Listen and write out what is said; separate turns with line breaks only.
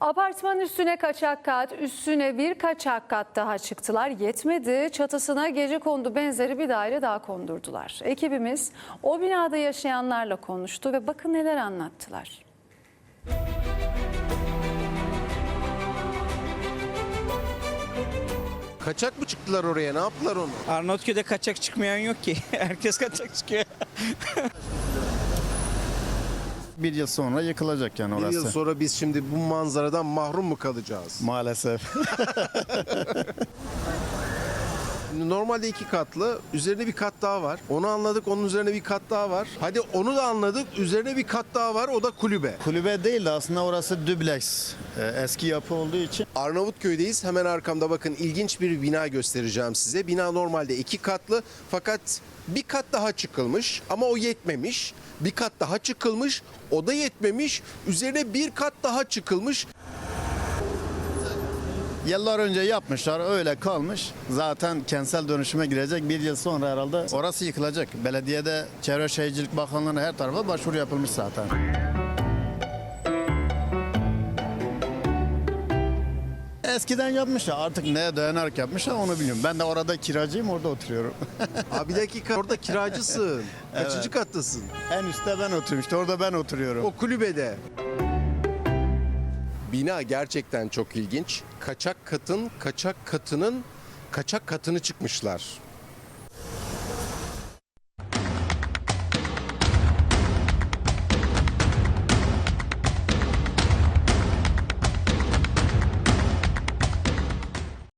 Apartman üstüne kaçak kat, üstüne bir kaçak kat daha çıktılar. Yetmedi, çatısına gecekondu benzeri bir daire daha kondurdular. Ekibimiz o binada yaşayanlarla konuştu ve bakın neler anlattılar.
Kaçak mı çıktılar oraya? Ne yaptılar onu?
Arnavutköy'de kaçak çıkmayan yok ki. Herkes kaçak çıkıyor.
Bir yıl sonra yıkılacak yani
Bir
orası.
yıl sonra biz şimdi bu manzaradan mahrum mu kalacağız?
Maalesef.
Normalde 2 katlı, üzerine bir kat daha var. Onu anladık, onun üzerine bir kat daha var. Hadi onu da anladık, üzerine bir kat daha var, o da kulübe.
Kulübe değil de aslında orası dübleks. Eski yapı olduğu için.
Arnavutköy'deyiz. Hemen arkamda bakın ilginç bir bina göstereceğim size. Bina normalde 2 katlı fakat bir kat daha çıkılmış ama o yetmemiş. Bir kat daha çıkılmış, o da yetmemiş. Üzerine bir kat daha çıkılmış.
Yıllar önce yapmışlar, öyle kalmış. Zaten kentsel dönüşüme girecek, bir yıl sonra herhalde orası yıkılacak. Belediyede, Çevre Şehircilik Bakanlığı'na her tarafa başvuru yapılmış zaten. Eskiden yapmışlar, artık neye dayanarak yapmışlar onu bilmiyorum. Ben de orada kiracıyım, orada oturuyorum.
Abi bir dakika, orada kiracısın. Kaçıncı
Evet.
kattasın?
En üstte ben oturuyorum, işte orada ben oturuyorum.
O kulübede. Bina gerçekten çok ilginç. Kaçak katının kaçak katını çıkmışlar.